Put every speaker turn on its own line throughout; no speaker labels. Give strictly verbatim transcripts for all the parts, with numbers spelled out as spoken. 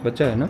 बच्चा है ना।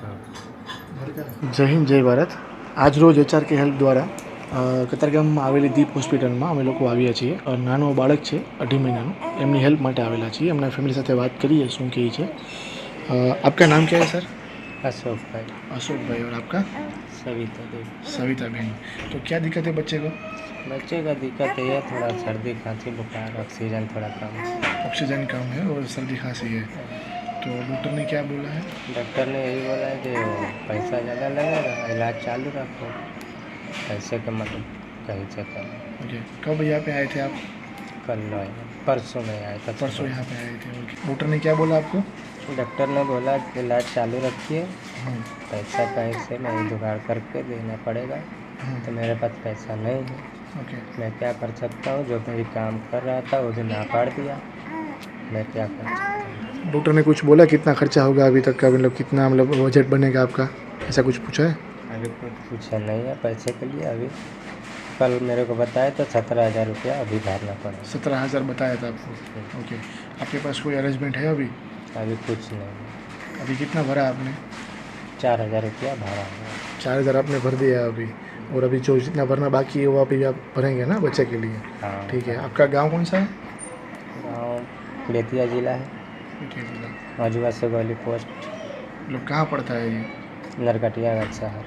જય હિન્દ જય ભારત। આજ રોજ એચઆર કે હેલ્પ દ્વારા કતારગામમાં આવેલી દીપ હોસ્પિટલમાં અમે લોકો આવ્યા છીએ। નાનો બાળક છે અઢી મહિનાનું, એમની હેલ્પ માટે આવેલા છીએ। એમના ફેમિલી સાથે વાત કરીએ શું કહે છે। આપકા નામ क्या है सर?
अशोक भाई।
अशोक भाई। और आपका?
सविता देवी।
सविता बहन। तो क्या दिक्कत है बच्चे को?
बच्चे का दिक्कत है थोड़ा सर्दी खांसी बुखार, ऑक्सीजन थोड़ा कम है।
ऑक्सीजन कम है और सर्दी खांसी है। तो डॉक्टर ने क्या बोला है?
डॉक्टर ने यही बोला है कि पैसा ज़्यादा लगेगा, इलाज चालू रखो, पैसे का मतलब कहीं से करो।
ओके, कब यहाँ पे आए थे आप?
कल आए, परसों में आए था।
परसों यहाँ पे आए थे। ओके, डॉक्टर ने क्या बोला आपको?
डॉक्टर ने बोला कि इलाज चालू रखिए, पैसा पैसे में जुगाड़ करके देना पड़ेगा। तो मेरे पास पैसा नहीं है।
ओके,
मैं क्या कर सकता हूँ? जो मेरी काम कर रहा था वो भी ना पाड़ दिया, मैं क्या कर सकता हूँ?
डॉक्टर ने कुछ बोला कितना खर्चा होगा अभी तक का, मतलब कितना मतलब बजट बनेगा आपका, ऐसा कुछ पूछा है?
अभी कुछ पूछा नहीं है पैसे के लिए। अभी कल मेरे को बताया तो सत्रह हज़ार रुपया अभी भरना पड़ा।
सत्रह हज़ार बताया था आपको? ओके, आपके पास कोई अरेंजमेंट है अभी?
अभी कुछ नहीं।
अभी कितना भरा आपने?
चार हज़ार रुपया भरा है।
चार हज़ार आपने भर दिया अभी, और अभी जो जितना भरना बाकी है वो अभी आप भरेंगे ना बच्चे के लिए?
हाँ
ठीक है। आपका गांव कौन सा है?
गाँव बेतिया ज़िला है, मजुआ से गोली पोस्ट।
मतलब कहाँ पड़ता है ये?
नरकटियागंज शहर,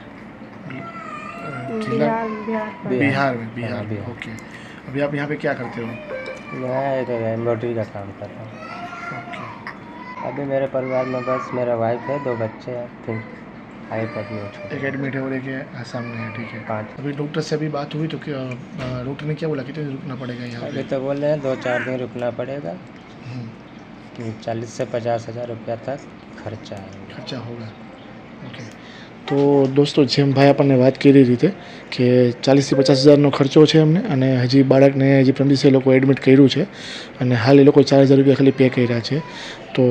जिला
बिहार
बिहार में। बिहार
हाँ,
में।
बिहार।
ओके, अभी आप यहाँ पे क्या करते हो?
मैं एक एम्ब्रॉयडरी का काम कर रहा हूँ।
ओके,
अभी मेरे परिवार में बस मेरा वाइफ है, दो बच्चे हैं, फिर आई एडमिट
एक एडमिट है और एक ये सामने है। ठीक है।
पाँच।
अभी डॉक्टर से अभी बात हुई तो क्या डॉक्टर ने क्या बोला, कितने दिन रुकना पड़ेगा यहाँ
अभी
पे?
तो बोल रहे हैं दो चार दिन रुकना पड़ेगा,
हम्म,
चालीस से पचास हज़ार रुपया तक खर्चा आएगा।
खर्चा होगा। ओके, તો દોસ્તો જેમ ભાઈ આપણને વાત કરી રીતે કે ચાલીસથી પચાસ હજારનો ખર્ચો છે એમને, અને હજી બાળકને હજી પ્રથમ દિવસે એ લોકો એડમિટ કર્યું છે, અને હાલ એ લોકો ચાર હજાર રૂપિયા ખાલી પે કર્યા છે। તો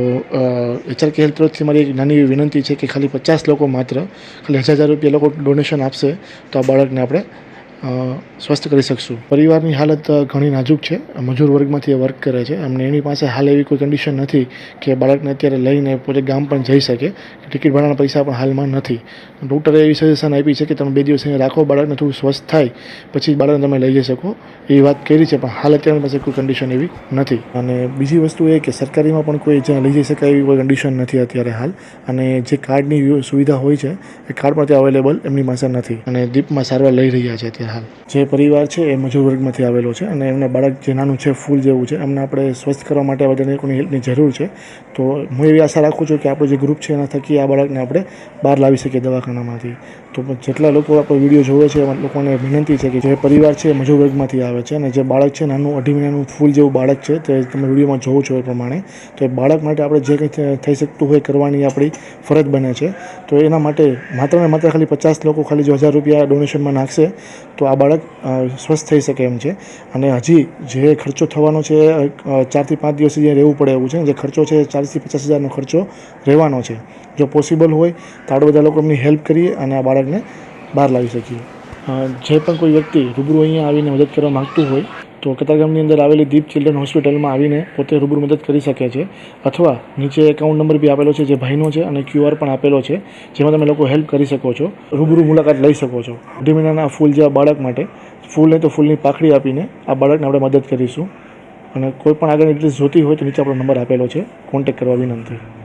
એચઆર કે હેલ્થ તરફથી મારી એક નાની એવી વિનંતી છે કે ખાલી પચાસ લોકો માત્ર ખાલી હજાર હજાર રૂપિયા લોકો ડોનેશન આપશે તો આ બાળકને આપણે સ્વસ્થ કરી શકશું। પરિવારની હાલત ઘણી નાજુક છે, મજૂર વર્ગમાંથી એ વર્ક કરે છે, એમને એની પાસે હાલ એવી કોઈ કન્ડિશન નથી કે બાળકને અત્યારે લઈને પોતે ગામ પણ જઈ શકે, ટિકિટ ભાડાના પૈસા પણ હાલમાં નથી। ડૉક્ટરે એવી સજેશન આપી છે કે તમે બે દિવસ અહીંયા રાખો, બાળકને થોડું સ્વસ્થ થાય પછી બાળકને તમે લઈ જઈ શકો, એવી વાત કરી છે, પણ હાલ અત્યારે પાસે કોઈ કન્ડિશન એવી નથી। અને બીજી વસ્તુ એ કે સરકારીમાં પણ કોઈ જ્યાં લઈ જઈ શકાય એવી કોઈ કન્ડિશન નથી અત્યારે હાલ, અને જે કાર્ડની સુવિધા હોય છે એ કાર્ડ પણ ત્યાં અવેલેબલ એમની પાસે નથી, અને દીપમાં સારવાર લઈ રહ્યા છે અત્યારે હાલ। જે પરિવાર છે એ મજૂર વર્ગમાંથી આવેલો છે, અને એમના બાળક જે નાનું છે ફૂલ જેવું છે, એમને આપણે સ્વસ્થ કરવા માટે બધા લોકોની હેલ્પની જરૂર છે। તો હું એવી આશા રાખું છું કે આપણું જે ગ્રુપ છે એના થકી આ બાળકને આપણે બહાર લાવી શકીએ દવાખાનામાંથી। તો જેટલા લોકો આપણો વિડીયો જોવે છે એવા લોકોને વિનંતી છે કે જે પરિવાર છે એ મજૂર વર્ગમાંથી આવે છે, અને જે બાળક છે નાનું અઢી મહિનાનું ફૂલ જેવું બાળક છે તે તમે વિડીયોમાં જોવો છો એ પ્રમાણે, તો એ બાળક માટે આપણે જે કંઈ થઈ શકતું હોય કરવાની આપણી ફરજ બને છે। તો એના માટે માત્ર ને માત્ર ખાલી પચાસ લોકો ખાલી જો હજાર રૂપિયા ડોનેશનમાં નાખશે તો આ બાળક સ્વસ્થ થઈ શકે એમ છે। અને હજી જે ખર્ચો થવાનો છે ચારથી પાંચ દિવસ સુધી રહેવું પડે એવું છે, જે ખર્ચો છે ચાલીસથી પચાસ હજારનો ખર્ચો રહેવાનો છે। જો પોસિબલ હોય તો આપણે બધા લોકો એમની હેલ્પ કરીએ અને આ બાળકને બહાર લાવી શકીએ। જે પણ કોઈ વ્યક્તિ રૂબરૂ અહીંયા આવીને મદદ કરવા માગતું હોય તો કતારગામની અંદર આવેલી દીપ ચિલ્ડ્રન હોસ્પિટલમાં આવીને પોતે રૂબરૂ મદદ કરી શકે છે, અથવા નીચે એકાઉન્ટ નંબર બી આપેલો છે જે ભાઈનો છે, અને ક્યુઆર પણ આપેલો છે જેમાં તમે લોકો હેલ્પ કરી શકો છો, રૂબરૂ મુલાકાત લઈ શકો છો। અઢી મહિનાના ફૂલ જેવા બાળક માટે ફૂલ નહીં તો ફૂલની પાખડી આપીને આ બાળકને આપણે મદદ કરીશું। અને કોઈ પણ આગળની ડિટેલ્સ જોતી હોય તો નીચે આપણો નંબર આપેલો છે, કોન્ટેક્ટ કરવા વિનંતી।